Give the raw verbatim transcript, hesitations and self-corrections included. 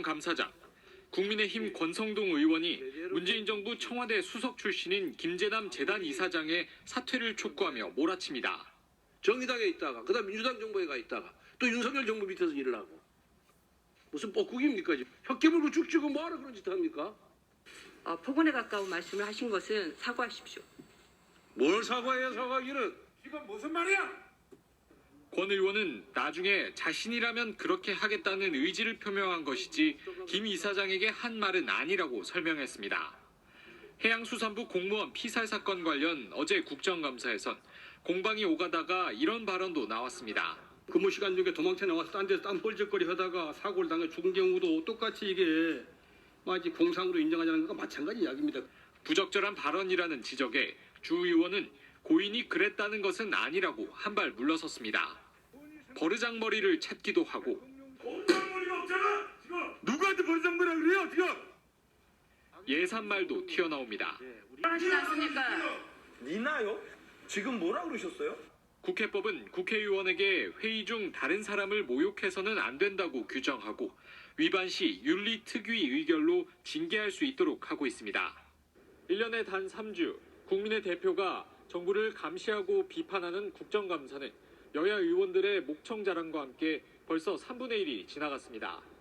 국정감사장. 국민의힘 권성동 의원이 문재인 정부 청와대 수석 출신인 김재남 재단 이사장의 사퇴를 촉구하며 몰아칩니다. 정의당에 있다가 그다음 민주당 정부에 가 있다가 또 윤석열 정부 밑에서 일을 하고 무슨 뻐꾸기입니까? 혀 깨물고 죽지고 뭐하러 그런 짓 합니까? 어, 폭언에 가까운 말씀을 하신 것은 사과하십시오. 뭘 사과해요, 사과기는? 지금 무슨 말이야? 권 의원은 나중에 자신이라면 그렇게 하겠다는 의지를 표명한 것이지 김 이사장에게 한 말은 아니라고 설명했습니다. 해양수산부 공무원 피살 사건 관련 어제 국정감사에선 공방이 오가다가 이런 발언도 나왔습니다. 근무 시간 중에 도망쳐 나와서 딴 데서 딴 뻘짓거리 하다가 사고를 당해 죽은 경우도 똑같이 이게 마치 공상으로 인정하자는 것과 마찬가지 이야기입니다. 부적절한 발언이라는 지적에 주 의원은 고인이 그랬다는 것은 아니라고 한 발 물러섰습니다. 버르장머리를 찾기도 하고 버르장머리가 없잖아 지금. 누구한테 버르장머리라 그래요, 지금? 예산말도 튀어나옵니다. 하시지 않습니까? 니나요? 지금 뭐라 그러셨어요? 국회법은 국회의원에게 회의 중 다른 사람을 모욕해서는 안 된다고 규정하고 위반 시 윤리특위 의결로 징계할 수 있도록 하고 있습니다. 일 년에 단 삼 주 국민의 대표가 정부를 감시하고 비판하는 국정감사는 여야 의원들의 목청 자랑과 함께 벌써 삼분의 일이 지나갔습니다.